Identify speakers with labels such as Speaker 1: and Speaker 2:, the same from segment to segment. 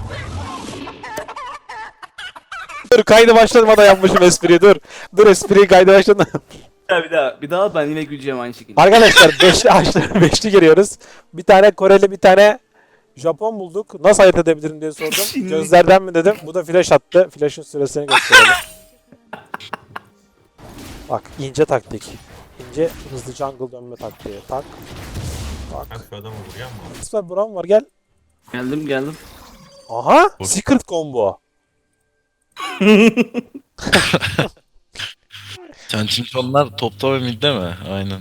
Speaker 1: Dur kaydı başlamadan yapmışım espriyi dur. Dur espriyi kaydı başlamadan.
Speaker 2: Bir daha ben yine güleceğim aynı şekilde.
Speaker 1: Arkadaşlar 5'li giriyoruz. Bir tane Koreli bir tane Japon bulduk. Nasıl ayırt edebilirim diye sordum.
Speaker 2: Şimdi-
Speaker 1: Gözlerden mi dedim. Bu da flash attı. Flash'ın süresini gösterelim. Bak ince taktik. İnce hızlı jungle dönme taktiği. Tak.
Speaker 3: Ben
Speaker 1: Tak.
Speaker 3: şu adamı vuruyor mu?
Speaker 1: Süper Brown var gel.
Speaker 2: Geldim.
Speaker 1: Aha! Secret combo.
Speaker 4: Sen çünkü onlar topta ve midde mi? Aynen.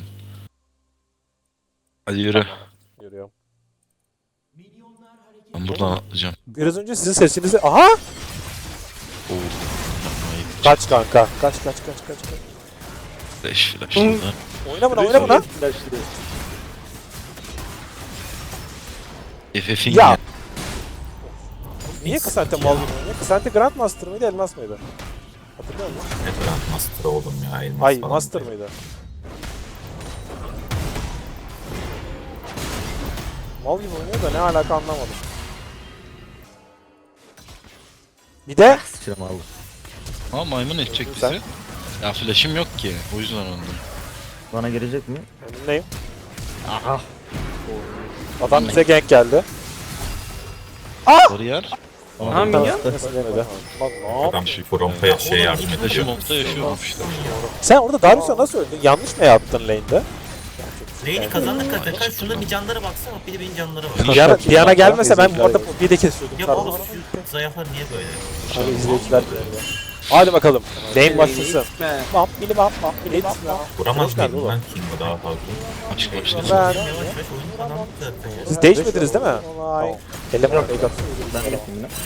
Speaker 4: Hadi yürü.
Speaker 1: Görüyorum.
Speaker 4: Ben buradan atlayacağım.
Speaker 1: Biraz önce sizin sesinizi... Aha!
Speaker 4: Oo.
Speaker 1: Kaç kanka. Kaç.
Speaker 4: Flash burada.
Speaker 1: Oyna buna.
Speaker 4: FF'in
Speaker 1: Ya.
Speaker 4: ya.
Speaker 1: Niye Kısante mal gibi oynuyor? Kısante Grandmaster mıydı, Elmas mıydı? Hatırlıyor musun?
Speaker 3: Ne Grand Master oldum ya. Elmas
Speaker 1: Ay,
Speaker 3: falan
Speaker 1: Master
Speaker 3: değil.
Speaker 1: mıydı? Mal gibi oynuyor da ne alaka anlamadım. Bir de
Speaker 2: Sıçram aldım.
Speaker 4: Ama maymun edecek
Speaker 1: Sen-
Speaker 4: bizi. Ya flash'im yok ki. O yüzden öldüm.
Speaker 2: Bana gelecek mi?
Speaker 1: önündeyim.
Speaker 2: Aha.
Speaker 1: Adam bize gank geldi.
Speaker 4: Bariyer.
Speaker 2: Aha minyon.
Speaker 1: Nasıl demedi? Bak ne yap-
Speaker 3: Adam şu Front'a şey yardım
Speaker 4: Flash'im
Speaker 3: ediyor.
Speaker 4: olsa yaşıyorum işte.
Speaker 1: Sen orada Darius'a nasıl öldün? Yanlış mı yaptın lane'de?
Speaker 5: Lane'i kazandık zaten. Şunda bir canlara baksana. Bir de benim canlara bak.
Speaker 1: Diana gelmese ben bu arada bir de kesiyordum.
Speaker 5: Ya
Speaker 1: Pardon.
Speaker 5: baba şu zayıflar niye böyle?
Speaker 1: Abi izleyiciler görüyor. Hadi bakalım. Lane başlasın.
Speaker 2: Gitme.
Speaker 1: Bam bili bam bili bam bam.
Speaker 3: Vuramaz
Speaker 1: Hoş geldin
Speaker 3: mıydım
Speaker 1: oğlum.
Speaker 3: ben King'o daha fazla?
Speaker 4: Açık başlasın.
Speaker 1: Ben...
Speaker 5: Yavaş yavaş oyun kazandık zaten ya.
Speaker 1: Siz değişmediniz değil mi? Eleman fake attı.
Speaker 2: Ben de yapayım yine.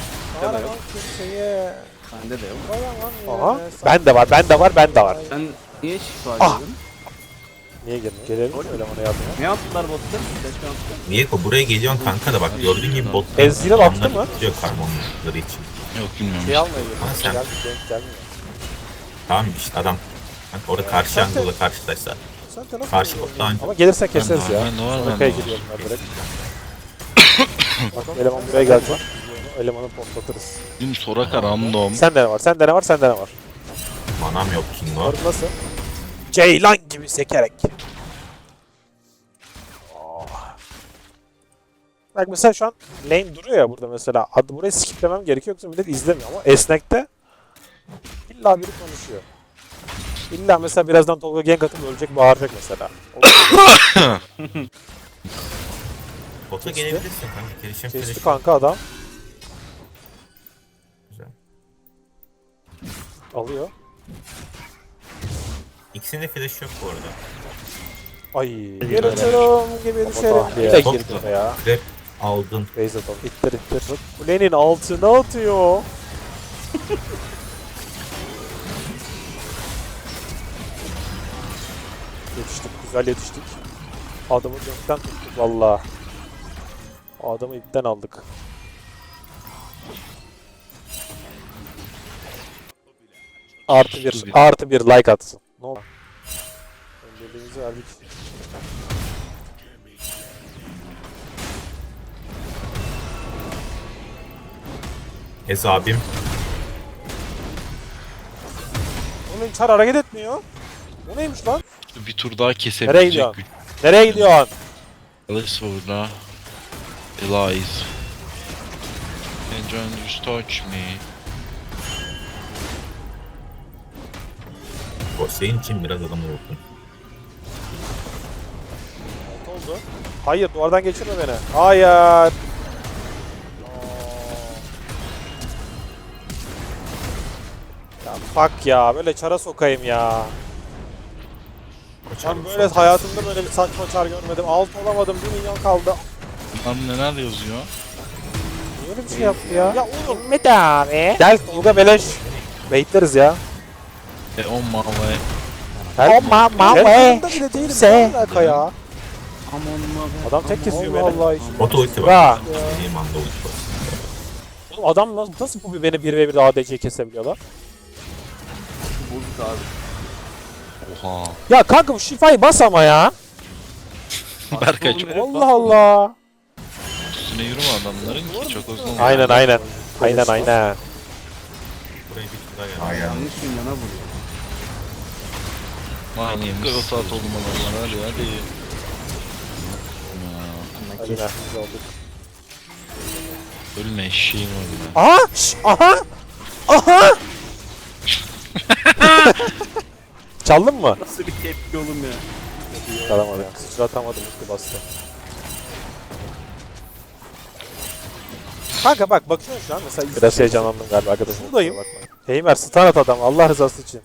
Speaker 2: Bende de yok.
Speaker 1: Aha. Ben de var.
Speaker 2: Sen niye şifa
Speaker 1: Ah!
Speaker 2: ediyordun?
Speaker 1: Niye girdin? Gelelim mi elemana yardıma?
Speaker 2: Ne yaptılar botta? Keşke yaptılar.
Speaker 3: Niye ko buraya geliyorsun kanka da bak gördüğün gibi bot
Speaker 1: Ezreal attı mı?
Speaker 3: Diyor karmonları için.
Speaker 4: Yok bilmiyorum.
Speaker 1: Şey almaya girdim.
Speaker 3: Ama sen-
Speaker 1: Gelmiyor.
Speaker 3: Tamam işte adam. Bak orada karşı angle'la karşılaşsa.
Speaker 1: Sen de nasıl
Speaker 3: Karşı
Speaker 1: oynuyorsun?
Speaker 3: bottan
Speaker 1: Ama gelirse keseriz
Speaker 4: Ben de
Speaker 1: ya.
Speaker 4: var, ben de var,
Speaker 1: Sonra
Speaker 4: ben de
Speaker 1: kaya
Speaker 4: var.
Speaker 1: gidiyorum ben direkt. Bakalım eleman buraya gelecek. Elemanı potlatırız.
Speaker 4: Dün Soraka random.
Speaker 1: Sende ne var.
Speaker 3: manam yok King'o.
Speaker 1: Orada nasıl? Ceylan gibi sekerek. Bak mesela şu an lane duruyor ya burada mesela. Adı burayı skiplemem gerekiyor yoksa millet izlemiyor ama esnekte illa biri konuşuyor. İlla mesela birazdan Tolga gank atıp ölecek bağıracak mesela.
Speaker 3: Bota gelebilirsin kanka. Gelişim
Speaker 1: Kesti
Speaker 3: flash.
Speaker 1: kanka adam.
Speaker 3: Güzel.
Speaker 1: Alıyor.
Speaker 3: İkisinde flash yok bu arada.
Speaker 1: Ay. Yarışırım gibi düşerim. Bir de girdi be ya.
Speaker 3: Trap aldın.
Speaker 1: Base atalım. İttir. Kulenin altına atıyor. Güzel yetiştik. Adamı gökten tuttuk valla. Adamı ipten aldık. Artı bir like atsın. Ne oldu? Önceliğimizi verdik.
Speaker 3: Abim.
Speaker 1: Onun çar hareket etmiyor. O neymiş lan?
Speaker 4: Bir tur daha
Speaker 1: Nereye
Speaker 4: kesebilecek
Speaker 1: gidiyorsun?
Speaker 4: güç.
Speaker 1: Nereye gidiyorsun?
Speaker 4: Alice burada. Elize. And you just touch me.
Speaker 3: O senin için biraz adamı vurdum.
Speaker 1: Ne oldu? Hayır duvardan geçirme beni. Hayır. Ya fuck ya böyle çara sokayım ya. Ben böyle hayatımda böyle bir saçma çar görmedim. Alt olamadım 1 milyon kaldı.
Speaker 4: Lan neler yazıyor?
Speaker 1: Niye öyle bir şey yaptı ya? Ya oğlum Mete abi. Gel Tolga beleş. Baitleriz ya.
Speaker 4: On my way.
Speaker 1: Gel. Gel. bile değilim. Ne alaka ya?
Speaker 2: Aman
Speaker 1: Adam tek kesiyor beni. Allah için.
Speaker 3: Bota ulti
Speaker 1: Bra.
Speaker 3: var. Benim anda ulti var.
Speaker 1: Oğlum adam nasıl bu beni 1v1'de ADC kesebiliyorlar?
Speaker 2: bulduk abi.
Speaker 4: Oha.
Speaker 1: Ya kanka bu şifayı bas ama ya.
Speaker 4: Berkay çok
Speaker 1: Allah Allah.
Speaker 4: üstüne yürüme adamların ki çok uzun.
Speaker 1: Aynen aynen. Aynen aynen.
Speaker 3: Buraya bir tur daha geldi.
Speaker 2: Yanlış milyona vuruyor.
Speaker 4: Manyak o saat oldu adamlar hadi hadi.
Speaker 1: Hadi be, biz olduk.
Speaker 4: Ölme eşeğim ölme.
Speaker 1: Aha! Şş, aha! Aha! Çaldın mı?
Speaker 2: Nasıl bir tepki oğlum ya?
Speaker 1: Çalamadım. Sıçratamadım, üstü bastı. Kanka bak bakıyorum şu an mesela. Biraz heyecanlandım galiba arkadaşım. Buradayım. Heimer stun at adam Allah rızası için.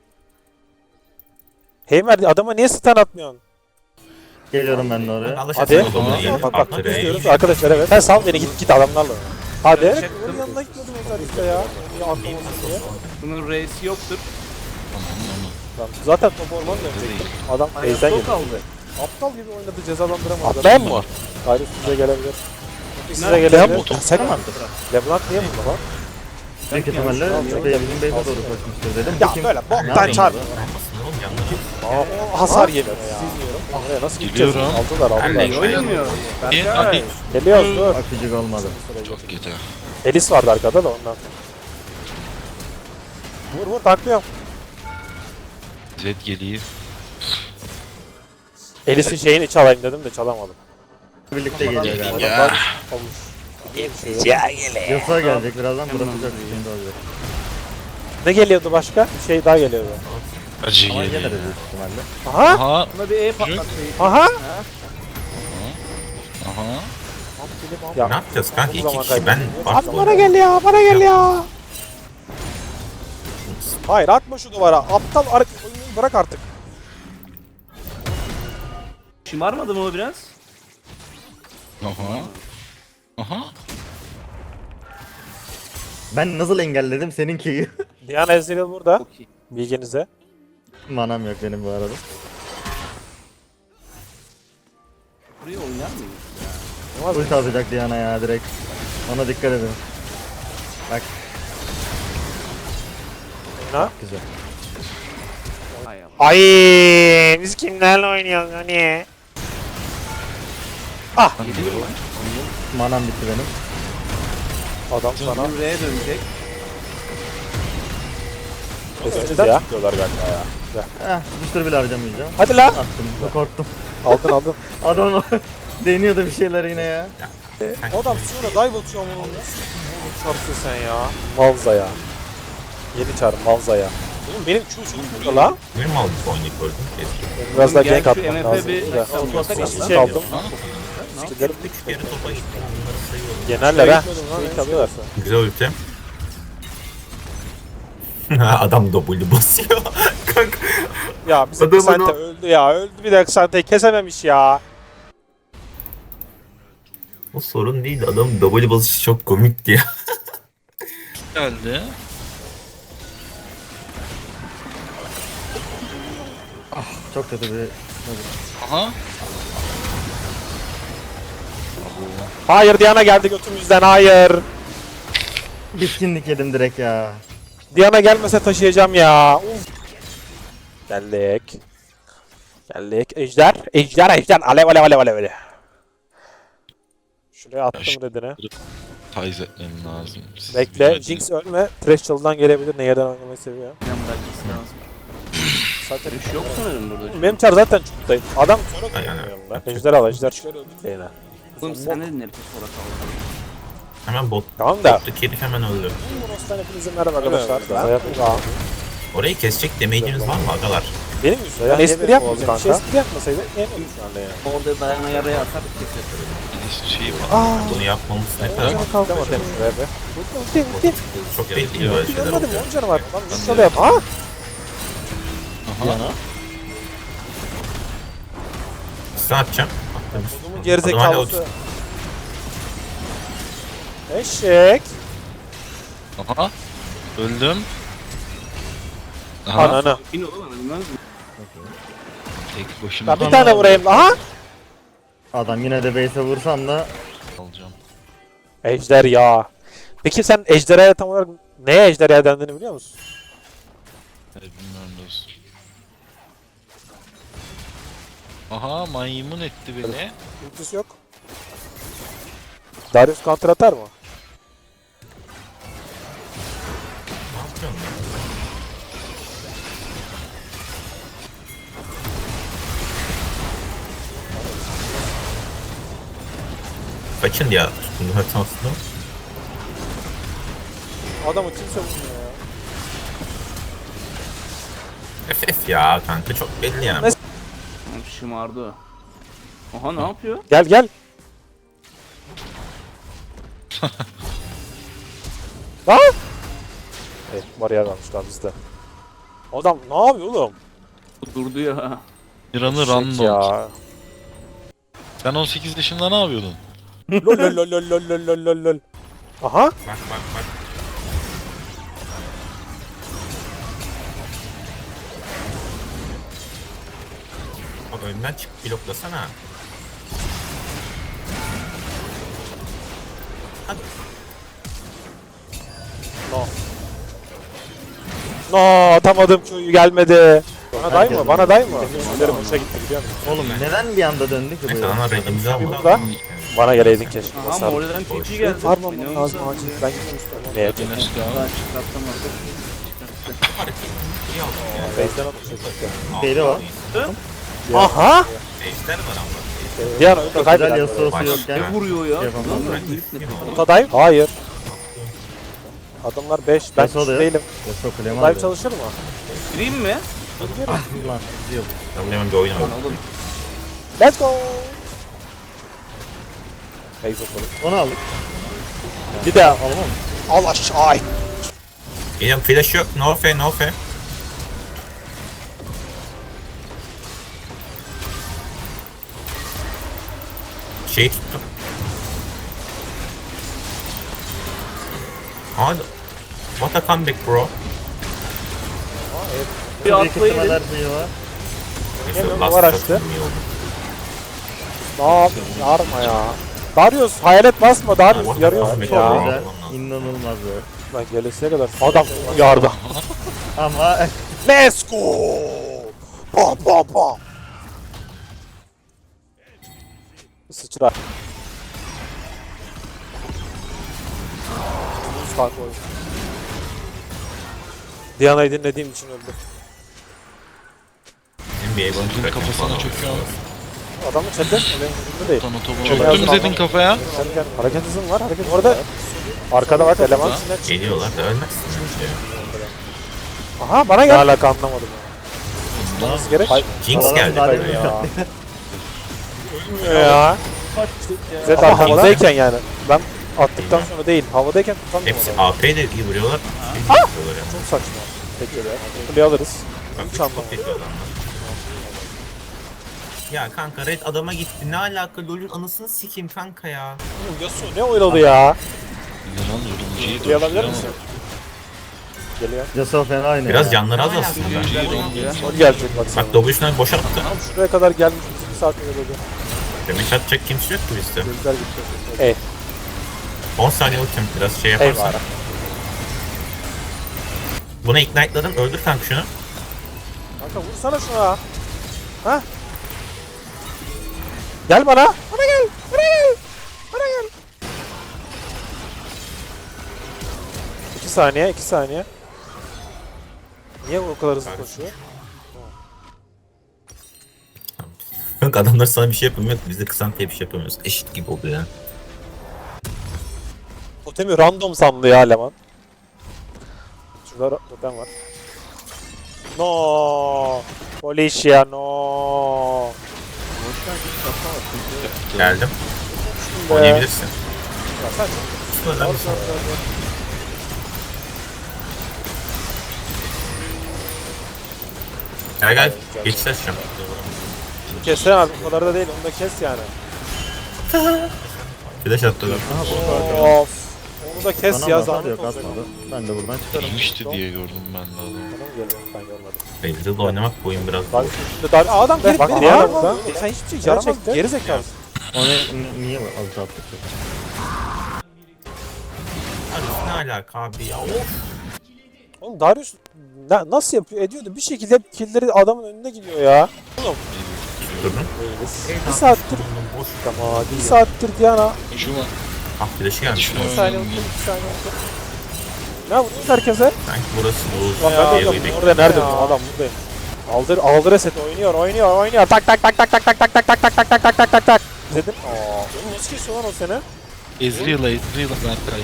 Speaker 1: Heimer adama niye stun atmıyorsun?
Speaker 6: Geliyorum ben de oraya.
Speaker 3: Alışacaksın
Speaker 1: Hadi.
Speaker 3: o zaman.
Speaker 1: Bak bak biz diyoruz arkadaşlar evet. Sen sal beni git adamlarla. Hadi. Onun yanına gitmiyordum özellikle ya. Niye atlamasın diye.
Speaker 2: Bunun reisi yoktur.
Speaker 1: Lan zaten top ormanı dönecektim. Adam base'den
Speaker 2: Çok
Speaker 1: geldi.
Speaker 2: aldı.
Speaker 1: Aptal gibi oynadı cezalandıramadı. Atlayan mı? Hayır size gelebilir. Size gelebilir. Sen mi attın? Leblanc niye burada lan?
Speaker 6: Büyük ihtimalle bizim base'e doğru koşmuştur dedim.
Speaker 1: Ya
Speaker 6: Bakayım.
Speaker 1: böyle
Speaker 6: Ne
Speaker 1: boktan
Speaker 6: yapayım
Speaker 1: çarp.
Speaker 3: Oğlum canları.
Speaker 1: O hasar yemiyor ya. Oraya nasıl gideceğiz?
Speaker 4: Geliyorum.
Speaker 1: Aldılar
Speaker 2: Ben
Speaker 1: aldılar.
Speaker 2: oynamıyor.
Speaker 4: Hadi.
Speaker 2: Berkay.
Speaker 1: Geliyoruz dur.
Speaker 6: Akıcık olmadı.
Speaker 4: Çok kötü.
Speaker 1: Elis vardı arkada da ondan. Vur vur taklıyorum.
Speaker 4: Zed geliyor.
Speaker 1: Elis'in şeyini çalayım dedim de çalamadım.
Speaker 6: Birlikte geliyor galiba.
Speaker 1: Adamlar olmuş.
Speaker 6: Yasa gelecek birazdan burası çok sıkıntı olacak.
Speaker 1: Ne geliyordu başka? Bir şey daha geliyordu.
Speaker 4: Acı
Speaker 6: Ama
Speaker 4: geliyor.
Speaker 6: geliriz büyük ihtimalle.
Speaker 1: Aha!
Speaker 4: Aha.
Speaker 2: Buna bir E patlattı.
Speaker 1: Aha!
Speaker 4: Aha.
Speaker 1: Ya,
Speaker 3: Ne yapacağız kanka?
Speaker 1: bu
Speaker 3: İki
Speaker 1: zaman
Speaker 3: kişi ben
Speaker 1: At bana gel ya, bana gel ya. Hayır atma şu duvara. Aptal oyunu bırak artık.
Speaker 2: Şımarmadı mı o biraz?
Speaker 4: Aha. Aha.
Speaker 6: Ben nasıl engelledim seninkiyi?
Speaker 1: Diana Ezreal burada.
Speaker 2: Çok iyi.
Speaker 1: Bilginize.
Speaker 6: Manam yok benim bu arada.
Speaker 2: Buraya oynar mıyız?
Speaker 6: Ulti atacak Diana ya direkt. Ona dikkat edin. Bak
Speaker 1: Ne?
Speaker 6: güzel.
Speaker 2: Hay Allah.
Speaker 1: Ay, biz kimlerle oynuyoruz hani? Ah,
Speaker 6: Manam bitti benim.
Speaker 1: adam sana
Speaker 2: Bunun R'ye dönecek.
Speaker 1: keseceğiz ya. Diyorlar galiba ya.
Speaker 6: Tutuştur bile harcamayacağım.
Speaker 1: Hadi lan.
Speaker 6: Attım. Korktum.
Speaker 1: Aldın aldın.
Speaker 6: Adam deniyordu bir şeyler yine ya.
Speaker 1: Adam sonra dive atıyor ama onu. Çarptın sen ya. Malza ya. Yeni çağır Malza ya. Oğlum benim Q'sum burada la.
Speaker 3: Benim mi aldık oynayıp gördüm? Keşke.
Speaker 1: Benim biraz daha
Speaker 2: Gel
Speaker 1: gank
Speaker 2: şu
Speaker 1: atmam
Speaker 2: MF
Speaker 1: lazım.
Speaker 2: bir
Speaker 1: Bir şey aldım. Skillerim
Speaker 3: Üç kere topa gitti. Bunları sayıyorum.
Speaker 1: Yenerler ha. Şey alıyorlar.
Speaker 3: Güzel ulti. Adam W basıyor. Kanka.
Speaker 1: Ya bizim
Speaker 3: Adamın
Speaker 1: Xante
Speaker 3: o-
Speaker 1: öldü ya. Öldü bir de Xante'yi kesememiş ya.
Speaker 3: O sorun değil. Adam W basışı çok komikti ya.
Speaker 4: Geldi.
Speaker 6: Çok kötü bir...
Speaker 4: Aha.
Speaker 1: Hayır Diana geldi götümüzden hayır.
Speaker 6: Bitkinlik yedim direkt ya.
Speaker 1: Diana gelmese taşıyacağım ya. Uf. Geldik. Geldik. Ejder. Ejder ejder. Alev alev alev alev. Şuraya attım redine.
Speaker 4: Tayz etmem lazım. Siz
Speaker 1: Bekle.
Speaker 4: birazcık-
Speaker 1: Jinx ölme. Thresh çalıdan gelebilir. Neyden oynamayı seviyor.
Speaker 2: Yan bırakması lazım.
Speaker 1: Zaten
Speaker 2: Dönüş yok sanırım burada.
Speaker 1: benim çar zaten çuktayım. Adam sonra
Speaker 3: Yani,
Speaker 1: koyuyor yanımda. Ejder al ejder. Şöyle öldük lane'e.
Speaker 2: Oğlum sen ne dinledin sonra kaldı.
Speaker 3: Hemen
Speaker 1: Tamam da.
Speaker 3: bottaki herif hemen öldü.
Speaker 1: Buros'tan hepinize merhaba arkadaşlar. Hayatım daha.
Speaker 3: Orayı kesecek damage'iniz var mı agalar?
Speaker 1: Benim yüzümden espri yapmayacağım. Hiç espri yapmasaydı yeniyordum şu anda yani.
Speaker 2: Orada dayana yaraya atar keser.
Speaker 4: Bir şey var.
Speaker 3: Bunu yapmamız ne kadar
Speaker 1: Canı kaldı mı demiş şuraya be. Ulti.
Speaker 3: çok belli böyle şeyler
Speaker 1: Görmedim
Speaker 3: oluyor.
Speaker 1: 10 canı var. Lan şöyle yap. Ha?
Speaker 4: Aha.
Speaker 3: Size atacağım.
Speaker 1: Kodumun
Speaker 3: Adam hala
Speaker 1: gerizekalısı. Eşek.
Speaker 4: Aha. Öldüm. Aha.
Speaker 1: Ananı.
Speaker 2: Bin oğlum bilmez mi?
Speaker 4: Tek başına
Speaker 1: Ya bir tane vurayım. Aha.
Speaker 6: Adam yine de base'e vursam da
Speaker 4: alacağım.
Speaker 1: Ejder ya. Peki sen ejderhaya tam olarak neye ejderha dendiğini biliyor musun?
Speaker 4: Bilmiyorum dostum. Aha maymun etti beni.
Speaker 1: Ultisi yok. Darius counter atar mı?
Speaker 3: Ne yapıyorsun lan? Kaçın ya. Bunu haritasında.
Speaker 1: Adamı kimse vurmuyor ya.
Speaker 3: FF ya kanka çok belli yani.
Speaker 2: Şımardı o. Oha ne yapıyor?
Speaker 1: Gel gel. Lan! Evet, bariyer varmışlar bizde. Adam ne yapıyor oğlum?
Speaker 2: Durdu ya.
Speaker 4: Miran'ı
Speaker 1: Eşek
Speaker 4: random.
Speaker 1: ya.
Speaker 4: Sen 18 yaşında ne yapıyordun?
Speaker 1: Lol lol lol lol lol lol lol lol. Aha.
Speaker 3: Bak bak bak. Bak önden çık bloklasana.
Speaker 1: No. No, atamadım Q'yu gelmedi. Bana day mı? Bana day mı? Üstlerim hoşa gitti biliyor musun?
Speaker 6: Oğlum neden bir anda döndü ki bu
Speaker 3: Neyse
Speaker 6: ya?
Speaker 3: ana rengimizi al.
Speaker 1: Burada. Bana geleydin keşke.
Speaker 2: Aha
Speaker 1: Basardım.
Speaker 2: Morel'den TP geldi.
Speaker 1: Farmam lazım acil. Ben gitmek istiyorum. Neye
Speaker 4: Güneş
Speaker 1: gitmek?
Speaker 4: ya.
Speaker 2: Çıkartamadı.
Speaker 1: Base'den atmışım.
Speaker 6: Şeyde var.
Speaker 1: Aha!
Speaker 3: Ejder var ama.
Speaker 1: Diğer oyunda
Speaker 6: Çok güzel
Speaker 1: kaybeden.
Speaker 6: Yasuo'su yokken.
Speaker 2: Ne vuruyor ya?
Speaker 6: Yapamam.
Speaker 2: Lan ben herif ne?
Speaker 1: Utadayım. Hayır. Adamlar 5. Ben
Speaker 6: Yasuo da yok.
Speaker 1: değilim.
Speaker 6: Yasuo kulemi
Speaker 1: Dive
Speaker 6: aldı.
Speaker 1: çalışır mı?
Speaker 2: Gireyim mi?
Speaker 6: Lan gidiyor.
Speaker 3: Ben hemen bir oyun
Speaker 2: Lan
Speaker 3: oynadım.
Speaker 2: oğlum.
Speaker 1: Let's go! Base atalım.
Speaker 6: Onu aldık.
Speaker 1: Bir de
Speaker 6: Alamam.
Speaker 1: al aşağı.
Speaker 3: Geliyorum flash yok. No fe no fe. Şey tuttum. Hadi. What a comeback bro.
Speaker 2: Bir
Speaker 6: Bir
Speaker 2: atlayın.
Speaker 6: kısımlar şeyi var.
Speaker 3: Neyse,
Speaker 1: Geliyorum,
Speaker 3: last
Speaker 1: var açtı.
Speaker 3: shot'um iyi oldu.
Speaker 1: Ne yapıyorsun? Yarma ya. Darius hayalet basma Darius
Speaker 3: What
Speaker 1: yarıyorsun
Speaker 3: the fuck?
Speaker 1: ya.
Speaker 6: Güzel. İnanılmaz be.
Speaker 1: Ben gelesiye kadar adam yardı.
Speaker 6: Ama
Speaker 1: Let's go! Bam bam bam. Sıçra. Buz kanka oyun. Diana'yı dinlediğim için öldü.
Speaker 3: NBA bunu
Speaker 4: Zed'in kafasına çöküyor.
Speaker 1: Adamın chatte benim umurumda değil.
Speaker 4: Çöktüm Zed'in kafaya.
Speaker 1: Sen gel. Hareket hızın var hareket. Orada arkada var eleman içinden çık.
Speaker 3: Geliyorlar da ölmezsin. Şey.
Speaker 1: Aha bana gel. Ne alaka anlamadım ya. Nasıl gerek?
Speaker 3: Jinx
Speaker 6: Adam
Speaker 3: geldi.
Speaker 6: daha
Speaker 3: böyle
Speaker 6: demin
Speaker 3: ya.
Speaker 1: Ya. Zed havadayken yani. Ben attıktan sonra değil. Havadayken tutamıyorum
Speaker 3: Hepsi
Speaker 1: adamı.
Speaker 3: AP de iyi vuruyorlar. Şey de vuruyorlar yani.
Speaker 1: Çok saçma. Peki öyle. Kuleye alırız.
Speaker 3: Bak,
Speaker 1: Hiç
Speaker 3: çok
Speaker 1: anlamadım.
Speaker 3: kötü adamlar. Ya kanka Red adama gitti. Ne alaka? LoL'ün anasını sikeyim kanka ya.
Speaker 1: Yasuo ne oynadı ya?
Speaker 4: Yalan yorumcuyu
Speaker 1: Kuleye alabilir misin? Geliyor.
Speaker 6: Yasuo fena oynuyor.
Speaker 3: Biraz
Speaker 6: ya.
Speaker 3: canları az aslında.
Speaker 1: Sol gelecek bak sana.
Speaker 3: Bak W'sunu boş attı.
Speaker 1: Tam şuraya kadar gelmiş. 2 saat öyle.
Speaker 3: Demek atacak kimse yok ki bizde.
Speaker 1: Gözler gitti. Ey.
Speaker 3: 10 saniye ultim biraz şey yaparsan.
Speaker 1: Eyvallah.
Speaker 3: Buna ignite'ladım. Öldür kanka şunu.
Speaker 1: Kanka vursana şuna. Ha? Gel bana. Bana gel. Bana gel. Bana gel. 2 saniye, 2 saniye. Niye o kadar hızlı koşuyor?
Speaker 3: Kanka adamlar sana bir şey yapamıyor. Biz de kısan diye bir şey yapamıyoruz. Eşit gibi oluyor ya.
Speaker 1: Totemi random sandı ya eleman. Şurada totem var. No. Policia no.
Speaker 3: Geldim.
Speaker 1: Be.
Speaker 3: Oynayabilirsin.
Speaker 1: Ya sen
Speaker 3: Şurada bir- Gel gel. Geçti açacağım.
Speaker 1: Kessene abi o kadar da değil onu da kes yani.
Speaker 3: Flash attılar.
Speaker 1: Of. Onu da kes
Speaker 6: Bana
Speaker 1: ya
Speaker 6: hasar
Speaker 1: zahmet
Speaker 6: yok
Speaker 1: olacak.
Speaker 6: atmadı. Ben de buradan çıkarım.
Speaker 4: Girmişti diye gördüm ben de adamı.
Speaker 1: Adam geliyor ben görmedim.
Speaker 3: Beyzil'de oynamak bu oyun biraz
Speaker 1: Bak
Speaker 3: zor.
Speaker 1: şimdi dar adam gelip
Speaker 6: Bak,
Speaker 1: beni
Speaker 6: aha,
Speaker 1: burada. Sen hiçbir şey yaramaz geri zekalısın.
Speaker 6: Onu niye alıp attık?
Speaker 3: Abi ne alaka abi ya? Of.
Speaker 1: Oğlum Darius nasıl yapıyor ediyordu bir şekilde hep killleri adamın önünde gidiyor ya. Oğlum
Speaker 3: Durdun.
Speaker 1: bir saattir
Speaker 3: Boş.
Speaker 1: tamam bir saattir Diana
Speaker 4: Şu var.
Speaker 3: Ah flash'ı gelmiş.
Speaker 4: Şunu
Speaker 1: 2 saniye
Speaker 4: oynayayım.
Speaker 1: unuttum, 2 saniye unuttum. Ne vurdunuz herkese?
Speaker 3: Sanki burası Oğuz.
Speaker 1: Lan ben de
Speaker 3: Diye
Speaker 1: orada nerede bu adam buradayım. Aldır reset oynuyor. Tak tak tak tak tak tak tak tak tak tak tak tak tak tak tak tak. İzledin? Aa, oğlum nasıl kesiyor lan o seni?
Speaker 4: Ezreal'a Berkay.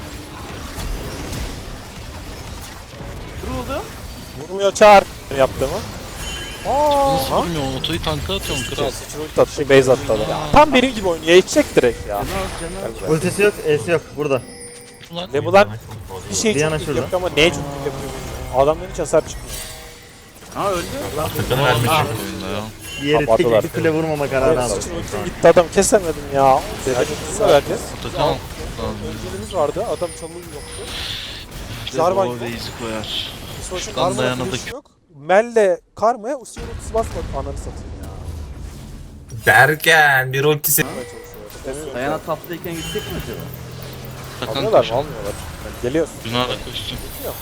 Speaker 2: Vuruldu.
Speaker 1: Vurmuyor çağır. Yaptığımı.
Speaker 4: Nasıl
Speaker 1: Aa,
Speaker 4: vurmuyor? Otoyu tanka atıyorum kral.
Speaker 1: sıçra ulti attı, base attı adam. Tam benim gibi oynuyor, içecek direkt ya.
Speaker 6: Ultisi yok, E'si yok. Burada.
Speaker 4: Ulan
Speaker 1: Ve bu lan bir şey
Speaker 6: Diana
Speaker 1: çok iyi
Speaker 6: şurada.
Speaker 1: yapıyor ama neye çok iyi yapıyor bilmiyorum. Adamdan hiç hasar çıkmıyor.
Speaker 2: Ha öldü.
Speaker 3: Atakan'ı vermiş.
Speaker 4: oyunda ya.
Speaker 6: Diğeri
Speaker 1: Kapattılar.
Speaker 6: tek bir kule vurmama kararı aldı.
Speaker 1: Sıçra ultim gitti, adam kesemedim ya. Zedek'e vereceğiz.
Speaker 4: Atakan.
Speaker 1: Önceliğimiz vardı, adam çalığı yoktu.
Speaker 4: İşte
Speaker 1: Jarvan
Speaker 4: o
Speaker 1: yok.
Speaker 4: base'i koyar.
Speaker 1: Savaşın
Speaker 4: Kan
Speaker 1: Karma'ya
Speaker 4: dayanamadık.
Speaker 1: flash yok. Mel'le Karma'ya Usyon'un ultisi basmadı. Ananı satayım ya.
Speaker 3: Derken bir ultisi.
Speaker 1: Yapmaya çalışıyor.
Speaker 2: Dayana taptayken gitsek mi acaba?
Speaker 4: Atakan
Speaker 1: Almıyorlar mı?
Speaker 4: koşar.
Speaker 1: Almıyorlar. Yani geliyoruz.
Speaker 4: Günah'a da koşsun.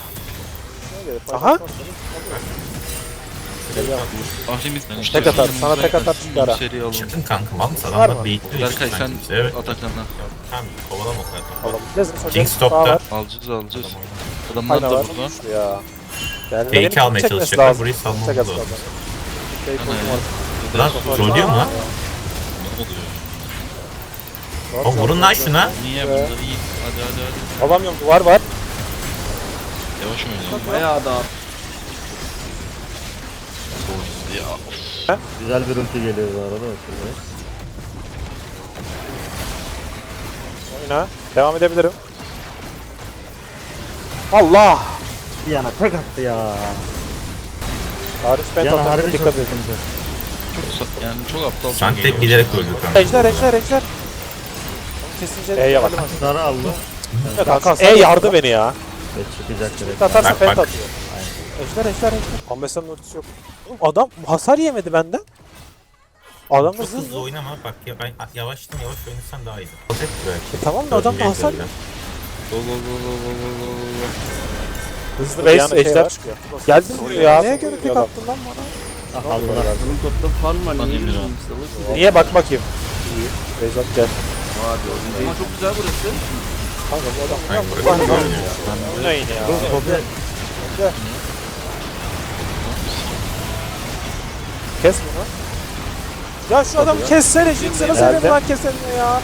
Speaker 1: Aha. Geliyor.
Speaker 4: Ahrimizden
Speaker 1: Tek atar, sana tek atar çıkar ha.
Speaker 4: Seri alın.
Speaker 3: Çıkın kankam alın
Speaker 1: Var
Speaker 3: adamlar
Speaker 1: mı?
Speaker 3: bekliyor.
Speaker 4: Berkay sen
Speaker 3: Evet.
Speaker 4: Atakan'a.
Speaker 3: Tamam kovalama o kadar.
Speaker 1: Alabiliriz.
Speaker 3: King stop'ta.
Speaker 4: Alacağız. Adamlar
Speaker 1: Aynen
Speaker 4: da
Speaker 1: var.
Speaker 4: burada.
Speaker 1: Güçlü ya. Yani
Speaker 3: Fake'i
Speaker 1: benim
Speaker 3: almaya
Speaker 1: çekmesi
Speaker 3: çalışacaklar,
Speaker 1: lazım.
Speaker 3: burayı salmamız
Speaker 1: Tek
Speaker 3: lazım.
Speaker 1: atıyorlar. Fake
Speaker 4: Ana
Speaker 1: ultim
Speaker 4: ya.
Speaker 1: var.
Speaker 3: Lan trollüyor mu lan?
Speaker 4: Ne oluyor?
Speaker 3: Oğlum vurun lan şuna.
Speaker 4: Niye bunları iyi? Hadi.
Speaker 1: Alamıyorum, duvar var.
Speaker 4: Yavaş oynayalım.
Speaker 2: Bayağı da
Speaker 4: Ya.
Speaker 6: Güzel bir ulti geliyor bu arada. Şurada.
Speaker 1: Oyna. Devam edebilirim. Allah!
Speaker 6: Diana tek attı ya.
Speaker 1: Tarih ben
Speaker 6: Diana
Speaker 1: tatlı
Speaker 6: harbi çok
Speaker 1: dikkat edin.
Speaker 6: sıkıntı.
Speaker 4: Yani çok aptal.
Speaker 3: Sen tek bilerek öldük ama.
Speaker 1: Ejder. Kesince E'ye bak.
Speaker 6: Sarı aldı.
Speaker 1: Kanka E yardı beni ya.
Speaker 6: Ve çıkacak direkt.
Speaker 1: Atarsa
Speaker 3: Bak,
Speaker 1: pent
Speaker 3: bak.
Speaker 1: atıyor. Ejder. Ambesa'nın ultisi yok. Oğlum adam hasar yemedi benden. Adam da
Speaker 3: Çok hızlı
Speaker 1: hızlı.
Speaker 3: oynama bak ya ben yavaş oynasan daha iyi. Alacak belki.
Speaker 1: Tamam da adam da hasar
Speaker 3: Dördüncü
Speaker 1: hızlı base ejder çıkıyor. Geldin mi ya? Neye göre tek attın lan bana?
Speaker 6: Ah aldılar.
Speaker 2: bunun topta farm var.
Speaker 4: Lan
Speaker 2: Niye
Speaker 4: Emir
Speaker 2: bilmiyorum.
Speaker 1: Niye bak bakayım. İyi. Base at gel.
Speaker 2: Ama çok güzel burası.
Speaker 1: Kanka bu adam.
Speaker 3: Ay,
Speaker 1: Bu
Speaker 3: bırak,
Speaker 1: adam-
Speaker 3: bırak.
Speaker 1: Oynayın ya.
Speaker 6: Topu
Speaker 1: Kes bunu. Ya şu adamı kessene Jinx'e nasıl
Speaker 6: Nerede?
Speaker 1: benim lan kesemiyor ya.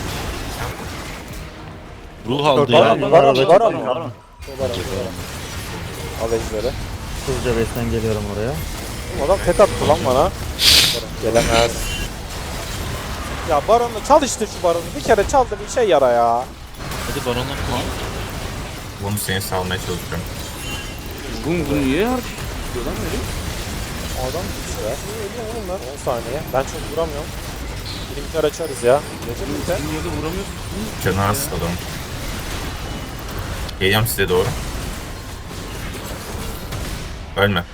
Speaker 4: Ruh aldı
Speaker 1: Baron,
Speaker 4: ya.
Speaker 1: Baron.
Speaker 6: Baron.
Speaker 1: Al ejderi.
Speaker 6: hızlıca base'den geliyorum oraya.
Speaker 1: Oğlum adam tek attı lan bana. Baron gelemez. Ya Baron'la çal işte şu Baron'u. Bir kere çal da bir şey yara ya.
Speaker 4: Hadi Baron'a koy.
Speaker 3: Bunu seni salmaya çalışıyorum.
Speaker 2: Bu niye harcıyor lan öyle?
Speaker 1: Adam güçlü ya. Şimdi ölüyorum oğlum ben 10 saniye. Ben çok vuramıyorum. Limitler açarız ya. Gece limiter.
Speaker 2: Niye de vuramıyorsun?
Speaker 3: Canı az adamın. Geliyorum size doğru. Ölme.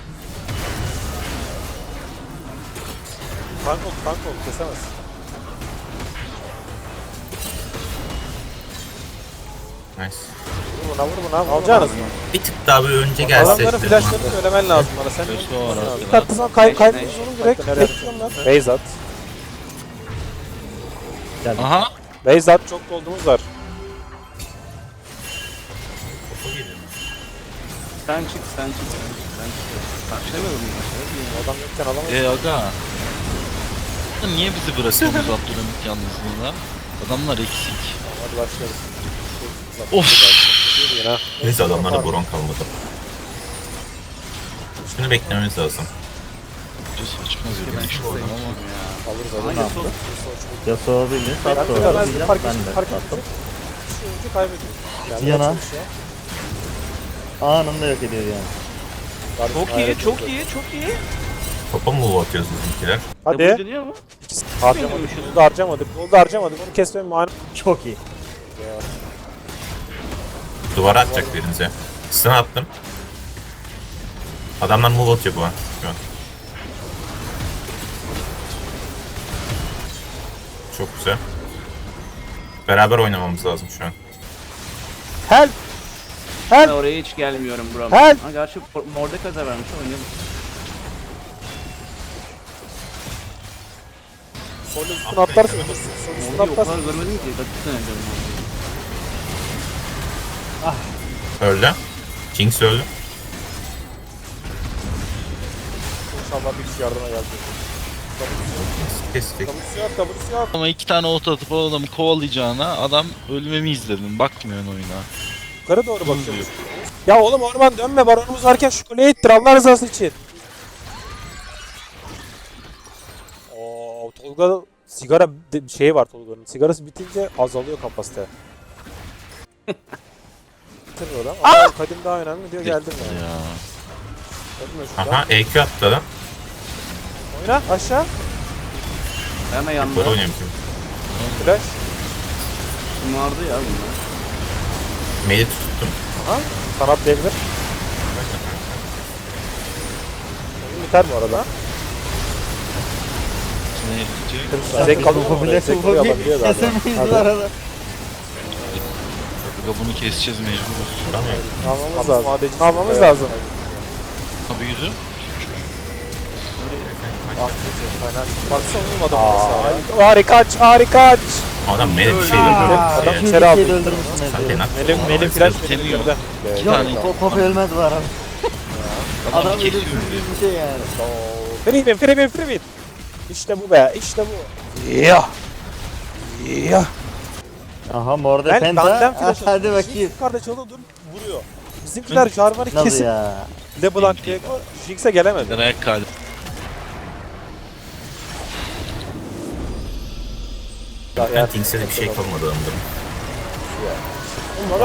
Speaker 1: Tank ol kesemez.
Speaker 3: Nice.
Speaker 1: Vur buna. Alacaksınız mı?
Speaker 3: Bir tık daha böyle önce gelse.
Speaker 1: Adamların flashlarını söylemen lazım bana. Sen
Speaker 4: Flash'ı var
Speaker 1: bir
Speaker 4: arkada.
Speaker 1: tatlı zaman kaybediyorsun onu direkt. Bekliyorum ben. Base at.
Speaker 4: Aha.
Speaker 1: Base at, çok gold'umuz var.
Speaker 2: Sen çık. Karşılamıyorum ben.
Speaker 1: Adam yokken alamayız.
Speaker 4: Aga. Niye bizi bırakıyorsunuz Abdülhamit yalnızlığına? Adamlar eksik.
Speaker 1: Hadi başlayalım.
Speaker 4: Of.
Speaker 1: Yürü yine.
Speaker 3: Neyse adamlarda boron kalmadı. Şunu beklememiz lazım.
Speaker 4: Çok saçma bir iş oldu ama.
Speaker 1: Alırız.
Speaker 2: Hangi sol?
Speaker 6: Yasuo bildi.
Speaker 1: Ben
Speaker 6: Sattı
Speaker 1: biraz
Speaker 6: orada.
Speaker 1: bir fark
Speaker 6: Ben de
Speaker 1: ettim. Fark
Speaker 6: sattım.
Speaker 1: ettim. Şu oyuncu kaybediyor. Yani
Speaker 6: Yana.
Speaker 1: çalışıyor.
Speaker 6: Anında yok ediyor yani.
Speaker 2: Çok iyi.
Speaker 3: Topa mı atıyoruz bizimkiler?
Speaker 1: Hadi.
Speaker 2: Dönüyor mu?
Speaker 1: Harcamadık. Golda harcamadık. Onu kesmenin manası.
Speaker 6: Çok iyi.
Speaker 3: Duvara atacak birinize. Stun attım. Adamlar move atıyor bu an. Şu an. Çok güzel. Beraber oynamamız lazım şu an.
Speaker 1: Help!
Speaker 2: Ben oraya hiç gelmiyorum bro.
Speaker 1: Help!
Speaker 2: Ha gerçi Mordekaiser vermiş oynayalım.
Speaker 1: Sol üstüne atlarsın. Sol üstüne
Speaker 2: Orada o
Speaker 1: atlarsın.
Speaker 2: kadar görmedim ki. Dakika önce.
Speaker 3: Öldü. Jinx öldü.
Speaker 1: İnşallah bir kişi yardıma geldi.
Speaker 3: Kestik.
Speaker 1: Kabusu yok.
Speaker 4: Ama 2 tane ult atıp o adamı kovalayacağına adam ölmemi izledin. Bakmıyorsun oyuna.
Speaker 1: Yukarı doğru bakıyoruz. Ya oğlum orman dönme, baronumuz varken şu kuleyi ittir Allah rızası için. Oo, Tolga sigara şeyi var Tolga'nın. Sigarası bitince azalıyor kapasite. Bitirmiyor lan. Ama kadim daha önemli diyor geldim yani.
Speaker 4: Ya.
Speaker 1: Ölme şuradan.
Speaker 3: Aha EQ attı adam.
Speaker 1: Oyna aşağı.
Speaker 2: Hemen yandı.
Speaker 3: Böyle oynuyormuşum.
Speaker 1: Flash.
Speaker 2: Şımardı ya bunlar.
Speaker 3: Mail'i tuttum.
Speaker 1: Ha? Sanat diyebilir. Oyun biter bu arada.
Speaker 4: Ne diyecek?
Speaker 1: Zek kalıyor mu?
Speaker 6: Popüler
Speaker 1: Zek kalıyor alabiliyor galiba.
Speaker 6: kesemeyiz
Speaker 1: Hadi.
Speaker 6: bu arada.
Speaker 4: Aga bunu keseceğiz mecbur.
Speaker 1: Almamız lazım. Almamız lazım.
Speaker 4: Abi yürü.
Speaker 1: Baksana oğlum adamı. Harika aç.
Speaker 3: Adam mail'e bir şey
Speaker 1: Adam
Speaker 3: öldürdü.
Speaker 1: içeri aldı.
Speaker 6: Türkiye'de öldürmüşsün
Speaker 3: Sen de
Speaker 6: Ezreal'i.
Speaker 3: nak.
Speaker 1: Melim flash
Speaker 4: Temiyor.
Speaker 1: girdi.
Speaker 4: Bir tane
Speaker 6: Poppy ölmez bu arada.
Speaker 4: adam
Speaker 6: Adam
Speaker 4: kesiyor
Speaker 6: ölümsüz
Speaker 4: diyor.
Speaker 6: bir şey yani.
Speaker 1: Free win. İşte bu be, işte bu. Ya.
Speaker 6: Aha morde
Speaker 1: Ben
Speaker 6: penta.
Speaker 1: benden flash
Speaker 6: Hadi bakayım.
Speaker 1: Yukarıda çalı dur vuruyor. Bizimkiler Jarvan'ı
Speaker 6: Nasıl
Speaker 1: kesip
Speaker 6: ya?
Speaker 1: LeBlanc diye Jinx'e gelemedi.
Speaker 4: Ayak kaldı.
Speaker 3: Ben Jinx'e de bir şey yapamadı adamda.
Speaker 1: Olmadan